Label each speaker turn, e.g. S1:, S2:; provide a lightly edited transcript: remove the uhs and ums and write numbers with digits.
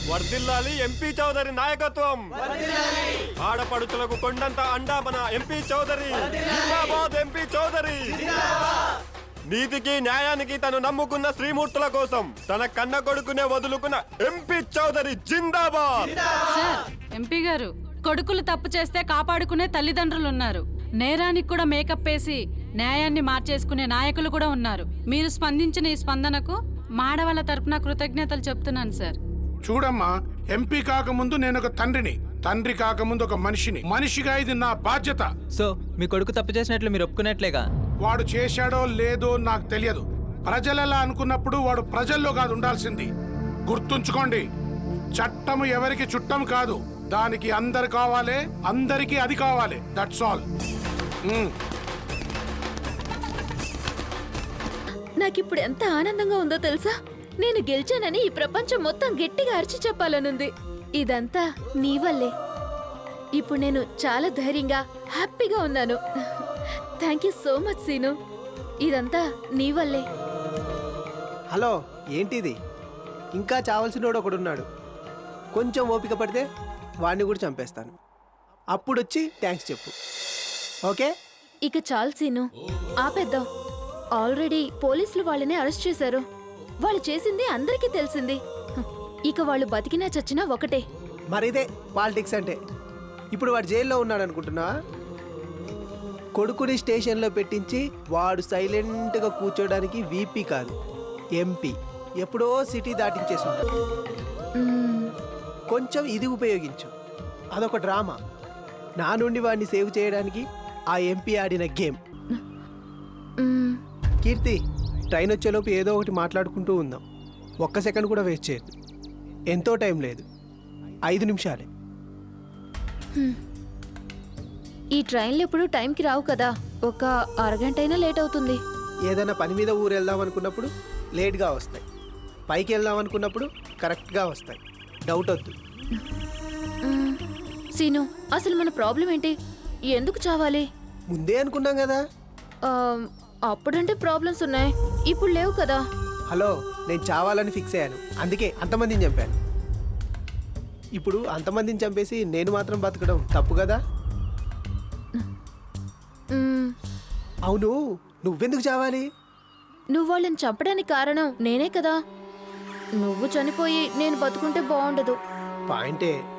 S1: వర్ధిల్లాలి ఎంపీ చౌదరి నాయకత్వం. ఆడపడుచులకు కొండంత అండా మన ఎంపీ చౌదరి. జిందాబాద్ ఎంపీ చౌదరి. నీతికి న్యాయానికి తను నమ్ముకున్న శ్రీమూర్తుల కోసం తన కన్న కొడుకునే వదులుకున్న ఎంపీ చౌదరి జిందాబాద్.
S2: సార్, ఎంపీ గారు, కొడుకులు తప్పు చేస్తే కాపాడుకునే తల్లిదండ్రులు ఉన్నారు. నేరానికి కూడా మేకప్ వేసి న్యాయాన్ని మార్చేసుకునే నాయకులు కూడా ఉన్నారు. మీరు స్పందించిన ఈ స్పందనకు మాడవాళ్ళ తరపున కృతజ్ఞతలు చెప్తున్నాను సార్.
S3: చూడమ్మా, ఎంపీ కాకముందు నేను ఒక తండ్రిని, తండ్రి కాకముందు ఒక మనిషిని. మనిషిగా ఇది నా బాధ్యత.
S4: సో మీ కొడుకు తప్పు చేసినట్లు మీరు ఒప్పుకున్నట్లేగా?
S3: వాడు చేశాడో లేదో నాకు తెలియదు. ప్రజలలా అనుకున్నప్పుడు వాడు ప్రజల్లో కాదు ఉండాల్సింది. గుర్తుంచుకోండి, చట్టము ఎవరికి చుట్టం కాదు. దానికి అందరు కావాలి, అందరికీ అది కావాలి. That's all.
S5: నాకిప్పుడు ఎంత ఆనందంగా ఉందో తెలుసా? నేను గెలిచానని ఈ ప్రపంచం మొత్తం గట్టిగా అరిచి చెప్పాలనుంది. ఇదంతా నీ వల్లే. ఇప్పుడు నేను చాలా ధైర్యంగా హ్యాపీగా ఉన్నాను. Thank you so much Seenu. ఇదంతా నీ వల్లే.
S6: హలో, ఏంటిది? ఇంకా చావాల్సినోడు ఒకడున్నాడు. కొంచెం ఓపిక పడితే వాడిని కూడా చంపేస్తాను. అప్పుడొచ్చి థ్యాంక్స్ చెప్పు, ఓకే?
S5: ఇక చాలు సీను, ఆపేద్దాం. ఆల్రెడీ పోలీసులు వాళ్ళని అరెస్ట్ చేశారు. వాళ్ళు చేసింది అందరికీ తెలిసింది. ఇక వాళ్ళు బతికినా చచ్చినా ఒకటే.
S6: మరిదే పాలిటిక్స్ అంటే. ఇప్పుడు వాడు జైల్లో ఉన్నాడు అనుకుంటున్నా? కొడుకుని స్టేషన్లో పెట్టించి వాడు సైలెంట్గా కూర్చోడానికి వీపీ కాదు, ఎంపీ. ఎప్పుడో సిటీ దాటించేసి ఉంటాడు. కొంచెం ఇది ఉపయోగించు. అదొక డ్రామా. నా నుండి వాడిని సేవ్ చేయడానికి ఆ ఎంపీ ఆడిన గేమ్. కీర్తి, ట్రైన్ వచ్చేలోపు ఏదో ఒకటి మాట్లాడుకుంటూ ఉందాం. ఒక్క సెకండ్ కూడా వేస్ట్ చేయదు. ఎంతో టైం లేదు, 5 నిమిషాలే.
S5: ఈ ట్రైన్లు ఎప్పుడు టైంకి రావు కదా. ఒక అరగంట అయినా లేట్ అవుతుంది.
S6: ఏదైనా పని మీద ఊరు వెళ్దాం అనుకున్నప్పుడు లేట్గా వస్తాయి. పైకి వెళ్దాం అనుకున్నప్పుడు కరెక్ట్గా వస్తాయి. డౌట్ వద్దు.
S5: సీను, అసలు మన ప్రాబ్లం ఏంటి? ఎందుకు చావాలి?
S6: ముందే అనుకున్నాం కదా.
S5: అప్పుడంటే ప్రాబ్లమ్స్ ఉన్నాయి, ఇప్పుడు లేవు కదా.
S6: హలో, నేను చావాలని ఫిక్స్ అయ్యాను. అందుకే అంతమందిని చంపాను. ఇప్పుడు అంతమందిని చంపేసి నేను మాత్రం బతకడం తప్పు కదా. అవును, నువ్వెందుకు చావాలి?
S5: నువ్వు వాళ్ళని చంపడానికి కారణం నేనే కదా. నువ్వు చనిపోయి నేను బతుకుంటే బాగుండదు.
S6: పాయింటే.